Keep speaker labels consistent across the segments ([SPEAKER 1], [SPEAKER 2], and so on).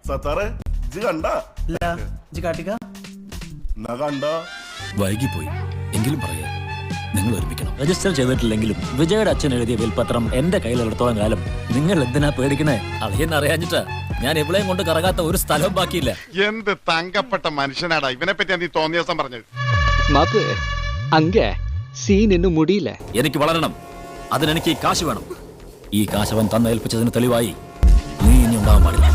[SPEAKER 1] സത്താറെ ഇജ്ജ് കണ്ട
[SPEAKER 2] വൈകിപ്പോയി എങ്കിലും പറയാ, നിങ്ങൾ ഒരുമിക്കണം. രജിസ്റ്റർ ചെയ്തിട്ടില്ലെങ്കിലും വിജയുടെ അച്ഛൻ എഴുതിയ വിൽപത്രം എന്റെ കയ്യിലെടുത്തോളം കാലം നിങ്ങൾ എന്തിനാ പേടിക്കണേ? അറിയാഞ്ഞിട്ടാ ഞാൻ എവിടെയും കൊണ്ട് കറങ്ങാത്ത ഒരു സ്ഥലവും ബാക്കിയില്ല.
[SPEAKER 3] എന്ത് തങ്കപ്പെട്ട മനുഷ്യനാടാ ഇവനെ പറ്റി നീ തോന്നിയ ദിവസം പറഞ്ഞത്.
[SPEAKER 2] എനിക്ക് വളരണം, അതിനെനിക്ക് ഈ കാശ് വേണം. ഈ കാശ് അവൻ തന്നേൽപ്പിച്ചതിന് തെളിവായി നീ ഇനി ഉണ്ടാവാൻ പാടില്ല.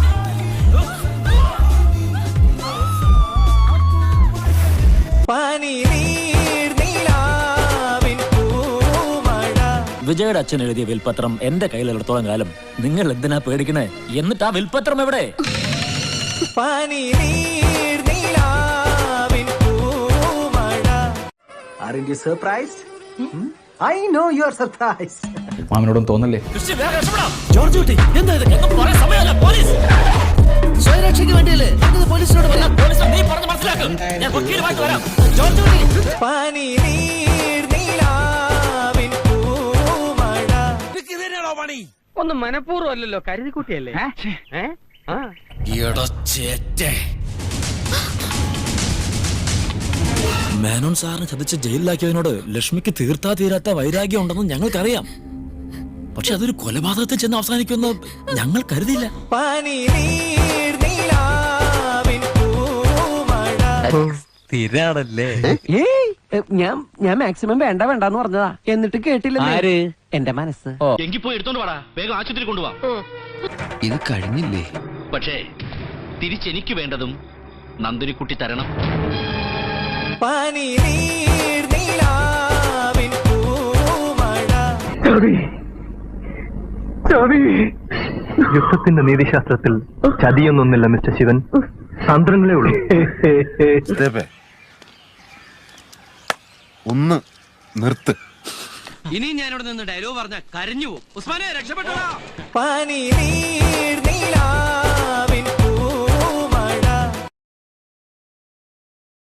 [SPEAKER 2] വിജയുടെ അച്ഛൻ എഴുതിയ വിൽപത്രം എന്റെ കയ്യിലെടുത്തോളം കാലം നിങ്ങൾ എന്തിനാ പേടിക്കണേ? എന്നിട്ട് ആ വിൽപത്രം എവിടെ?
[SPEAKER 4] മാമനോടും തോന്നല്ലേ?
[SPEAKER 2] സ്വയരക്ഷയ്ക്ക് വേണ്ടിയല്ലേ പോലീസിനോട് നീ പറഞ്ഞ് മനസ്സിലാക്കും. ഞാൻ വക്കീലുമായിട്ട് വരാം.
[SPEAKER 5] ഒന്നും മനഃപൂർവ്വം അല്ലല്ലോ, കരുതിക്കുട്ടിയല്ലേ?
[SPEAKER 2] മേനോൻ സാറിന് ചതിച്ച് ജയിലിലാക്കിയതിനോട് ലക്ഷ്മിക്ക് തീരാത്ത വൈരാഗ്യം ഉണ്ടെന്ന് ഞങ്ങൾക്കറിയാം. പക്ഷെ അതൊരു കൊലപാതകത്തിൽ ചെന്ന് അവസാനിക്കുമെന്ന് ഞങ്ങൾ കരുതിയില്ല.
[SPEAKER 5] ഞാൻ മാക്സിമം വേണ്ടെന്ന് പറഞ്ഞതാ, എന്നിട്ട് കേട്ടില്ല എന്റെ മനസ്സ്.
[SPEAKER 6] എങ്കിൽ പോയി എടുത്തോണ്ട് വാടാ, വേഗം ആശുപത്രി കൊണ്ടുപോവാ.
[SPEAKER 4] ഇത് കഴിഞ്ഞില്ലേ?
[SPEAKER 6] പക്ഷേ തിരിച്ചെനിക്ക് വേണ്ടതും നന്ദിനിക്കുട്ടി തരണം.
[SPEAKER 7] യുദ്ധത്തിന്റെ നീതിശാസ്ത്രത്തിൽ ചതിയൊന്നൊന്നില്ല മിസ്റ്റർ ശിവൻ, തന്ത്രങ്ങളേ ഉള്ളൂ.
[SPEAKER 3] ഒന്ന് നിർത്ത്.
[SPEAKER 5] ഇനി ഞാനിവിടെ നിന്ന് ഡയലോഗ് പറഞ്ഞ കരഞ്ഞു പോകും. ഉസ്മാനെ രക്ഷപ്പെട്ടോ.